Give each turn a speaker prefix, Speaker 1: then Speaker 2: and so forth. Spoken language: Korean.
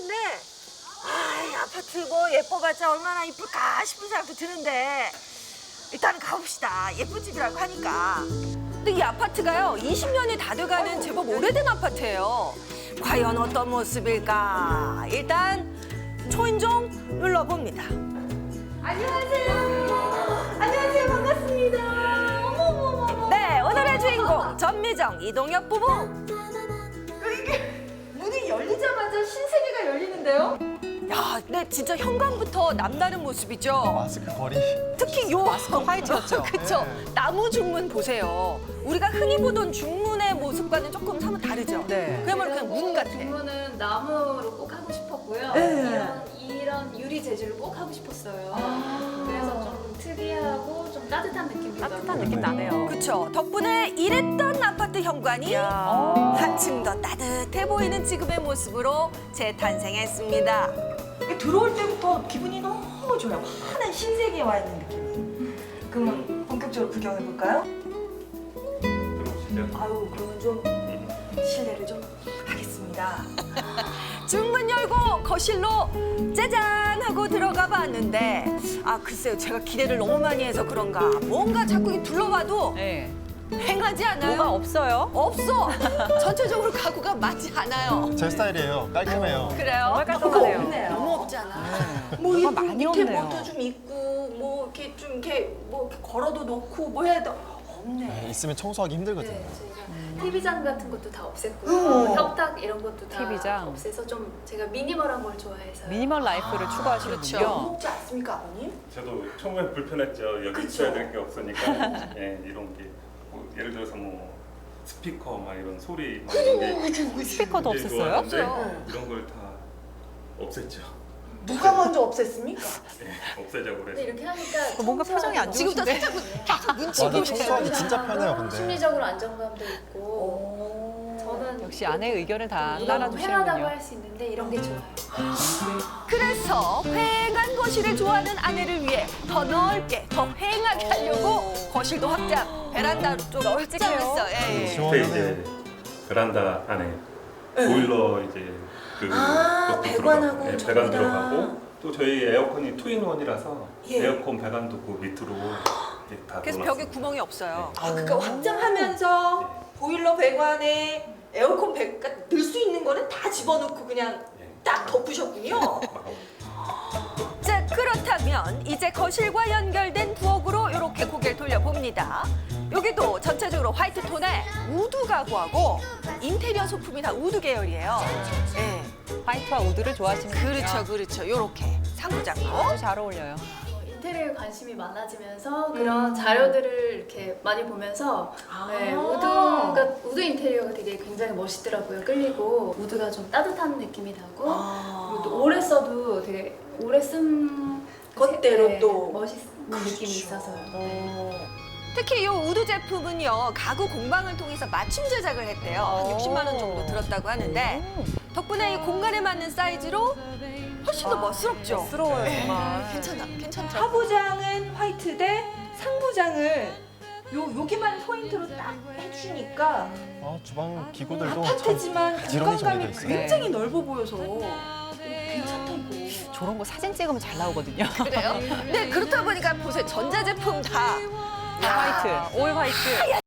Speaker 1: 아파트인데 이 아파트 뭐 예뻐봤자 얼마나 이쁠까 싶은 생각도 드는데 일단 가봅시다. 예쁜 집이라고 하니까. 근데 이 아파트가요 20년이 다 돼가는 제법 오래된 아파트예요. 과연 어떤 모습일까? 일단 초인종 눌러봅니다. 안녕하세요. 안녕하세요. 반갑습니다. 어머머머. 네, 오늘의 주인공 전미정, 이동엽 부부. 이게 문이 열리자마자 신세계가 열리는데요? 야, 근데 진짜 현관부터 남다른 모습이죠.
Speaker 2: 마스크 거리.
Speaker 1: 특히 요
Speaker 3: 마스크 화이트였죠.
Speaker 1: 그쵸. 나무 중문 보세요. 우리가 흔히 보던 중문의 모습과는 조금 사뭇 다르죠.
Speaker 3: 네.
Speaker 1: 그야말로 그냥 문 같아.
Speaker 4: 중문은 나무로 꼭 하고 싶었고요.
Speaker 1: 네.
Speaker 4: 이런 유리 재질로 꼭 하고 싶었어요. 그래서 좀 특이하고 좀 따뜻한 느낌이
Speaker 3: 따뜻한 느낌 나네요.
Speaker 1: 그쵸. 덕분에 이랬던 아파트 현관이 한층 더 따뜻해 보이는 지금의 모습으로 재탄생했습니다. 들어올 때부터 기분이 너무 좋아요. 환한 신세계에 와 있는 느낌. 그러면 본격적으로 구경해 볼까요?
Speaker 2: 들어오시죠.
Speaker 1: 아유, 그러면 좀 실례를 좀 하겠습니다. 중문 열고 거실로 짜잔 하고 들어가 봤는데 글쎄요, 제가 기대를 너무 많이 해서 그런가 뭔가 자꾸 이렇게 둘러봐도
Speaker 3: 네.
Speaker 1: 횡하지 않아요?
Speaker 3: 뭐가 없어요?
Speaker 1: 없어. 전체적으로 가구가 맞지 않아요.
Speaker 2: 제 스타일이에요. 깔끔해요.
Speaker 1: 그래요?
Speaker 3: 정말 깔끔하네요.
Speaker 1: 뭐가 없네요. 너무 없잖아.
Speaker 3: 뭐가
Speaker 1: 이
Speaker 3: 많이
Speaker 1: 밑에
Speaker 3: 없네요.
Speaker 1: 뭐도 좀 있고 뭐 이렇게 좀 이렇게 뭐 이렇게 걸어도 놓고 뭐 해야 돼. 없네.
Speaker 2: 있으면 청소하기 힘들거든요.
Speaker 4: 네, 저희가 TV장 같은 것도 다 없앴고요. 협탁 이런 것도 다
Speaker 3: TV장.
Speaker 4: 없애서 좀 제가 미니멀한 걸 좋아해서
Speaker 3: 미니멀 라이프를 추구하시는군요.
Speaker 1: 무겁지 않습니까, 아버님?
Speaker 5: 저도 처음에 불편했죠. 여기
Speaker 1: 그쵸.
Speaker 5: 있어야 될 게 없으니까. 예, 이런 게 뭐 예를 들어서 뭐 스피커 막 이런 소리 막 이런 게
Speaker 3: 스피커도
Speaker 5: 굉장히
Speaker 3: 없앴어요?
Speaker 5: 좋았는데
Speaker 1: 없어요.
Speaker 5: 이런 걸 다 없앴죠.
Speaker 1: 누가 먼저 없앴습니까?
Speaker 5: 예, 없애자고
Speaker 4: 근데
Speaker 5: 그래서.
Speaker 4: 이렇게 하니까
Speaker 3: 뭔가 표정이 안
Speaker 1: 지금부터
Speaker 3: 좋으신데?
Speaker 1: 살짝 계속 눈치
Speaker 2: 맞아,
Speaker 1: 보시고
Speaker 2: 청소하기 진짜 편해요, 근데.
Speaker 4: 심리적으로 안정감도 있고 저는
Speaker 3: 역시 아내의 의견을 다
Speaker 4: 너무
Speaker 3: 따라주시는군요.
Speaker 4: 편하다고 할 수 있는데 이런 게 좋아요.
Speaker 1: 그래서 휑한 거실을 좋아하는 아내를 위해 더 넓게, 더 휑하게 하려고 거실도 확장, 베란다 쪽 확장했어. 예, 예.
Speaker 5: 밑에
Speaker 2: 시원하네요.
Speaker 5: 이제 베란다 안에 보일러 이제 그것도
Speaker 1: 배관하고
Speaker 5: 배관
Speaker 1: 전부 다.
Speaker 5: 들어가고 또 저희 에어컨이 투인원이라서
Speaker 1: 예.
Speaker 5: 에어컨 배관도 그 밑으로 이제 다
Speaker 1: 그래서
Speaker 5: 넣어놨습니다.
Speaker 1: 벽에 구멍이 없어요.
Speaker 5: 네.
Speaker 1: 그러니까 확장하면서 보일러 배관에 에어컨 배관 넣을 수 있는 거는 다 집어넣고 그냥
Speaker 5: 예.
Speaker 1: 딱 덮으셨군요.
Speaker 5: 막
Speaker 1: 자, 그렇다면 이제 거실과 연결된 부엌으로 이렇게 고개를 돌려봅니다. 여기도 전체적으로 화이트 톤의 우드 가구하고 인테리어 소품이 다 우드 계열이에요. 예.
Speaker 3: 화이트와 우드를 좋아하시는군요.
Speaker 1: 그렇죠, 그렇죠. 요렇게 상부장로.
Speaker 3: 아주 잘 어울려요.
Speaker 4: 인테리어에 관심이 많아지면서 그런 자료들을 이렇게 많이 보면서 네, 우드 인테리어가 되게 굉장히 멋있더라고요. 끌리고 우드가 좀 따뜻한 느낌이 나고 그리고 또 오래 써도 되게 오래 쓴
Speaker 1: 것대로 또.
Speaker 4: 멋있는 느낌이 있어서 네.
Speaker 1: 특히 이 우드 제품은요, 가구 공방을 통해서 맞춤 제작을 했대요. 한 60만 원 정도 들었다고 하는데 덕분에 이 공간에 맞는 사이즈로 훨씬 더 멋스럽죠.
Speaker 3: 멋스러워요, 정말.
Speaker 1: 괜찮죠? 하부장은 화이트대 상부장을 여기만 포인트로 딱 해주니까
Speaker 2: 주방 기구들도
Speaker 1: 아파트지만
Speaker 2: 부지런히
Speaker 1: 공간감이
Speaker 2: 정리돼 있어요.
Speaker 1: 굉장히 넓어 보여서 괜찮다 이거.
Speaker 3: 저런 거 사진 찍으면 잘 나오거든요.
Speaker 1: 그래요? 네, 그렇다 보니까 보세요. 전자제품 다
Speaker 3: 화이트, 올 화이트.